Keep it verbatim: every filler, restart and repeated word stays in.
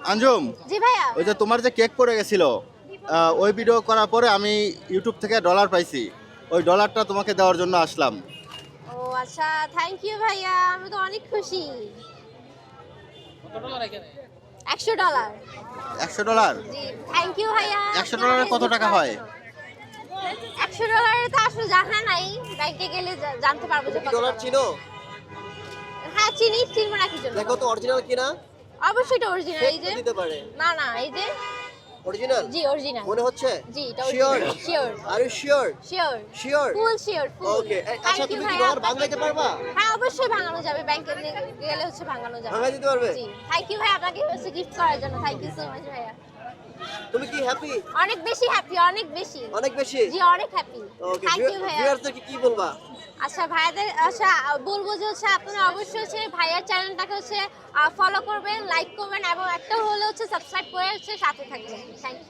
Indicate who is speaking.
Speaker 1: আঞ্জুম,
Speaker 2: জি ভাইয়া।
Speaker 1: ওই যে তোমার যে কেক পড়ে গেছিল, আহ, ওই ভিডিও করার পরে আমি ইউটিউব থেকে ডলার পাইছি, ওই ডলারটা তোমাকে দেওয়ার জন্য আসলাম।
Speaker 2: ও আচ্ছা, থ্যাংক ইউ ভাইয়া, আমি তো অনেক খুশি। একশো ডলার।
Speaker 1: একশো ডলার?
Speaker 2: জি, থ্যাংক ইউ ভাইয়া।
Speaker 1: একশো ডলারে কত টাকা হয়?
Speaker 2: একশো ডলারে তো আসলে জানা নাই, ব্যাংকে গেলে জা- জানতে পারবো যে কত
Speaker 3: ডলার
Speaker 2: টাকা।
Speaker 3: ছিল?
Speaker 2: হ্যাঁ চিনি, চিনবো না কি জন্য?
Speaker 3: দেখো তো অরিজিনাল কিনা।
Speaker 2: অবশ্যই এটা অরিজিনাল। এই যে
Speaker 3: দিতে পারে।
Speaker 2: না না, এই যে
Speaker 3: অরিজিনাল
Speaker 2: জি অরিজিনাল
Speaker 3: মনে হচ্ছে?
Speaker 2: জি এটা
Speaker 3: sure?
Speaker 2: Original. Sure
Speaker 3: are you sure?
Speaker 2: Sure
Speaker 3: sure?
Speaker 2: Full sure full.
Speaker 3: Okay, আচ্ছা তুমি কি ডলার ভাঙাইতে পারবা?
Speaker 2: হ্যাঁ অবশ্যই ভাঙানো যাবে, ব্যাংকে গেলে হচ্ছে ভাঙানো যাবে।
Speaker 3: ভাঙাই দিতে পারবে?
Speaker 2: জি, থ্যাংক ইউ ভাই, আপনাকে হচ্ছে গিফট করার জন্য। থ্যাংক ইউ সো মাচ ভাইয়া।
Speaker 3: তুমি কি হ্যাপি?
Speaker 2: অনেক বেশি হ্যাপি, অনেক বেশি।
Speaker 3: অনেক বেশি?
Speaker 2: জি অনেক হ্যাপি।
Speaker 3: ওকে,
Speaker 2: থ্যাংক ইউ ভাইয়া।
Speaker 3: ভিউয়ারদেরকে কি বলবা?
Speaker 2: আচ্ছা ভাইয়াদের আচ্ছা বলবো যে হচ্ছে আপনারা অবশ্যই হচ্ছে ভাইয়ার চ্যানেলটাকে হচ্ছে ফলো করবেন, লাইক করবেন এবং একটা হলে হচ্ছে সাবস্ক্রাইব করে হচ্ছে সাথে থাকবেন। Thank you.